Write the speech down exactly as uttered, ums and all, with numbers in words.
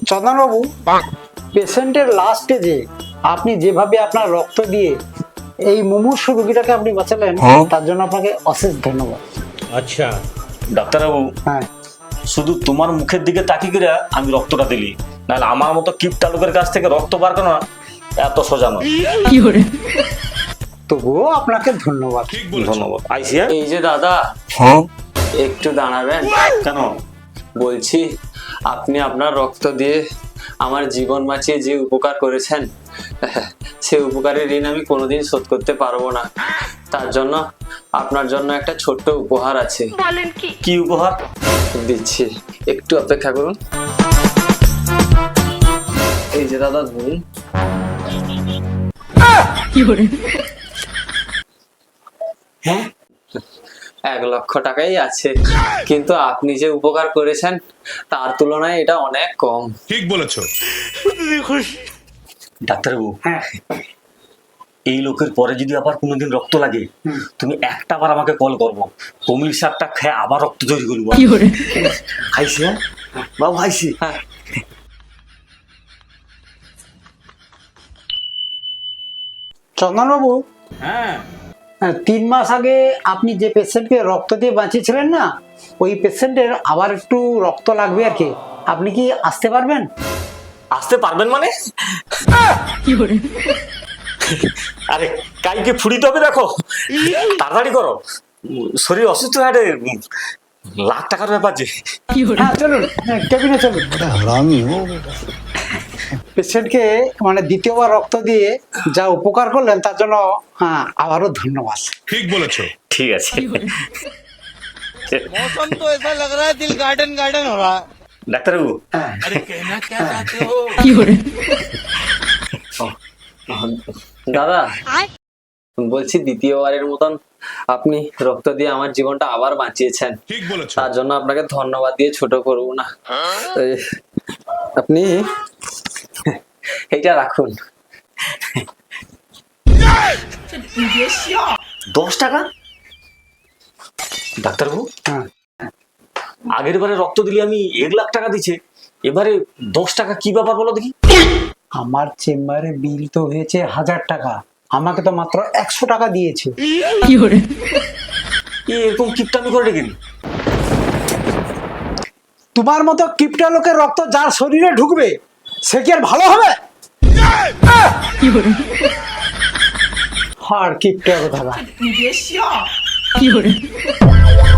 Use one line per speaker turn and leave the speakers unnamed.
চন্দনবাবু, পেশেন্টের লাস্ট স্টেজে আপনি যেভাবে আপনার রক্ত দিয়ে এই মুমূর্ষু রোগীটাকে আপনি বাঁচালেন, তার জন্য আপনাকে অশেষ ধন্যবাদ।
আচ্ছা
ডাক্তারবাবু,
হ্যাঁ,
শুধু তোমার মুখের দিকে তাকিয়ে করে আমি রক্তটা দিলি, নাহলে আমার মতো কিপটা লোকের কাছ থেকে রক্ত বার করা এত সোজা নয়।
তবুও আপনাকে ধন্যবাদ।
ধন্যবাদ। আইসিয়া
এই যে দাদা, একটু দাঁড়াবেন।
কেন?
বলছি, আপনি আপনার রক্ত দিয়ে আমার জীবন বাঁচিয়ে যে উপকার করেছেন, সে উপকারের ঋণ আমি কোনোদিন শোধ করতে পারবো না। তার জন্য আপনার জন্য একটা ছোট্ট উপহার আছে।
কি উপহার?
দিচ্ছি, একটু অপেক্ষা করুন। এই যে দাদা, ধরুন।
হ্যাঁ,
এক লক্ষ টাকাই আছে, কিন্তু আপনি যে উপকার করেছেন তার তুলনায় এটা অনেক কম।
ঠিক বলেছো।
ডাক্তারবাবু,
হ্যাঁ,
এই লোকের পরে যদি আবার কোনোদিন রক্ত লাগে, তুমি একটা বার আমাকে কল করবো, কমলি শাকটা খেয়ে আবার রক্ত তৈরি করবো। খাইছি? হ্যাঁ বাবু, খাইছি।
হ্যাঁ,
চন্দনবাবু,
হ্যাঁ,
হ্যাঁ, তিন মাস আগে আপনি যে পেশেন্টকে রক্ত দিয়ে বাঁচিয়েছিলেন না, ওই পেশেন্টের আবার একটু রক্ত লাগবে আর কি। আপনি কি আসতে পারবেন?
আসতে পারবেন মানে? আরে কাইকে ফুড়িতে হবে, দেখো তাড়াতাড়ি করো, শরীর অসুস্থ হাটে, লাখ টাকার ব্যাপার যে।
হ্যাঁ, চলুন, হ্যাঁ, কেবিনে চলুন। পেশেন্টকে মানে দ্বিতীয়বার রক্ত দিয়ে যা উপকার করলেন তার জন্য হ্যাঁ আবারও ধন্যবাদ।
ঠিক বলেছো।
ঠিক আছে।
मौसम तो ऐसा लग रहा है दिल गार्डन गार्डन हो रहा है।
ডাক্তারবাবু,
अरे कहना क्या चाहते हो?
দাদা বলছি, দ্বিতীয়বারের মতন আপনি রক্ত দিয়ে আমার জীবনটা আবার বাঁচিয়েছেন।
ঠিক বলেছো।
তার জন্য আপনাকে ধন্যবাদ দিয়ে ছোট করবো না। এই, আপনি এইটা রাখুন।
দশ টাকা? ডাক্তারবাবু,
হ্যাঁ,
আগের বারে রক্ত দিলে আমি এক লাখ টাকা দিচ্ছে, এবারে দশ টাকা কি ব্যাপার বলো দেখি?
আমার চেম্বারে বিল তো হয়েছে হাজার টাকা, আমাকে তো মাত্র একশো টাকা দিয়েছে।
এ এরকম কিপটামি করে রেখে
তোমার মতো কিপটা লোকের রক্ত যার শরীরে ঢুকবে সে কি আর ভালো হবে? আর কিপটা কথা।